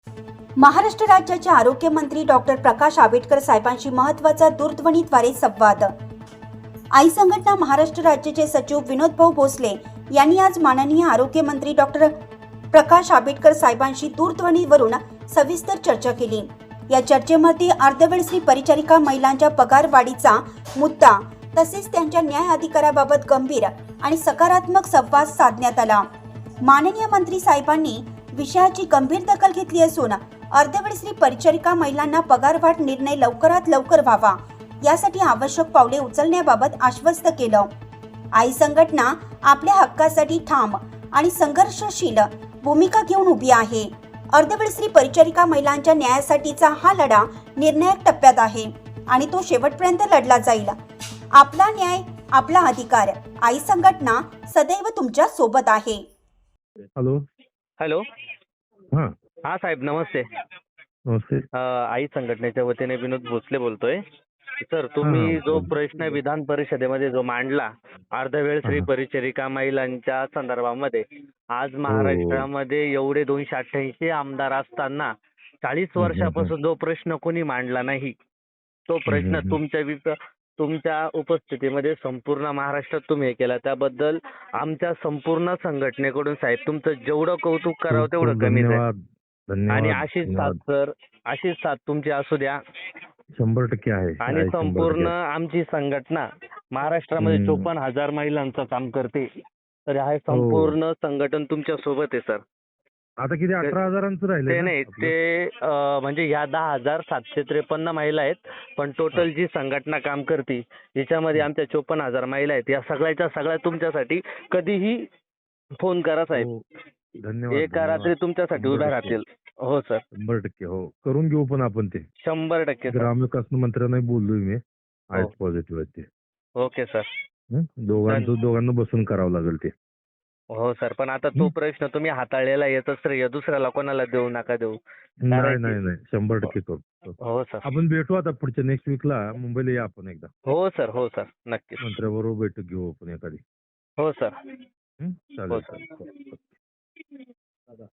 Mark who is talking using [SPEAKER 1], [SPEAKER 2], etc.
[SPEAKER 1] महाराष्ट्र राज्याचे आरोग्यमंत्री डॉक्टर प्रकाश आंबेडकर साहेबांशी महत्त्वाचा दूरध्वनीद्वारे संवाद। आई संघटना महाराष्ट्र राज्याचे सचिव विनोद भाऊ भोसले यांनी आज माननीय आरोग्यमंत्री डॉक्टर प्रकाश आंबेडकर साहेबांशी दूरध्वनीवरून सविस्तर चर्चा केली। या चर्चेमध्ये अर्धवेळ स्त्री परिचारिका महिलांच्या पगारवाढीचा मुद्दा तसेच त्यांच्या न्याय अधिकाराबाबत गंभीर आणि सकारात्मक संवाद साधण्यात आला। माननीय मंत्री साहेबांनी विषयाची गंभीर दखल घेतली असून अर्धवेळ स्त्री परिचारिका महिलांना पगारवाढ निर्णय लवकरात लवकर व्हावा यासाठी आवश्यक पावले उचलण्याबाबत आश्वस्त केलं। आई संघटना आपल्या हक्कासाठी ठाम आणि संघर्षशील भूमिका घेऊन उभी आहे। अर्धवेळ स्त्री परिचारिका महिलांच्या न्यायासाठीचा हा लढा निर्णायक टप्प्यात आहे आणि तो शेवटपर्यंत लढला जाईल। आपला न्याय, आपला अधिकार। आई संघटना सदैव तुमच्या सोबत आहे।
[SPEAKER 2] Hello
[SPEAKER 3] hello.
[SPEAKER 2] हां
[SPEAKER 3] हा साहेब, नमस्ते.
[SPEAKER 2] नमस्ते.
[SPEAKER 3] आई संघटनेच्या वतीने विनोद भोसले बोलतोय. सर, तुम्ही जो
[SPEAKER 2] बोल.
[SPEAKER 3] प्रश्न विधान परिषदेमध्ये जो मांडला अर्धवेळ स्त्री
[SPEAKER 2] हां.
[SPEAKER 3] परिचारिका महिलांच्या संदर्भामध्ये, आज महाराष्ट्रामध्ये एवढे 288 आमदार असताना 40 वर्षापासून जो प्रश्न कोणी मांडला नाही, तो प्रश्न तुमच्या उपस्थितीमध्ये संपूर्ण महाराष्ट्रात तुम्ही हे केला, त्याबद्दल आमच्या संपूर्ण संघटनेकडून साहेब तुमचं जेवढं कौतुक करावं तेवढं कमीच आहे.
[SPEAKER 2] धन्यवाद. धन्यवाद.
[SPEAKER 3] आणि अशीच साथ
[SPEAKER 2] धन्यवाद.
[SPEAKER 3] सर, अशीच साथ तुमची असू द्या.
[SPEAKER 2] 100% आहे.
[SPEAKER 3] आणि
[SPEAKER 2] आहे,
[SPEAKER 3] संपूर्ण
[SPEAKER 2] 100%
[SPEAKER 3] आमची संघटना महाराष्ट्रामध्ये 54,000 महिलांचं काम करते. तर हे संपूर्ण संघटन तुमच्या सोबत आहे सर.
[SPEAKER 2] आता किती 18,000चं राहिले
[SPEAKER 3] ते नाही, ते म्हणजे ह्या 10,753 महिला आहेत, पण टोटल जी संघटना काम करते याच्यामध्ये आमच्या 54,000 महिला आहेत. या सगळ्याच्या सगळ्या तुमच्यासाठी कधीही फोन करा साहेब.
[SPEAKER 2] धन्यवाद.
[SPEAKER 3] एका रात्री तुमच्यासाठी उभ्या राहतील. हो सर,
[SPEAKER 2] 100% हो, करून घेऊ. पण आपण ते
[SPEAKER 3] 100% सर.
[SPEAKER 2] ग्रामविकास मंत्र्यांना बोललोय मी. आहेत पॉझिटिव्ह आहेत ते.
[SPEAKER 3] Okay sir.
[SPEAKER 2] दोघांना बसून करावं लागेल ते.
[SPEAKER 3] हो सर, पण आता तो प्रश्न तुम्ही हाताळलेला येतं श्रेय दुसऱ्याला कोणाला देऊ नका देऊ.
[SPEAKER 2] नाही नाही नाही, 100% करू.
[SPEAKER 3] हो सर.
[SPEAKER 2] आपण भेटू आता पुढच्या नेक्स्ट वीकला. मुंबईला या आपण एकदा.
[SPEAKER 3] हो सर, हो सर, नक्कीच.
[SPEAKER 2] मंत्र्याबरोबर बैठक घेऊ आपण एखादी.
[SPEAKER 3] हो सर.
[SPEAKER 2] चालेल.
[SPEAKER 3] हो सर.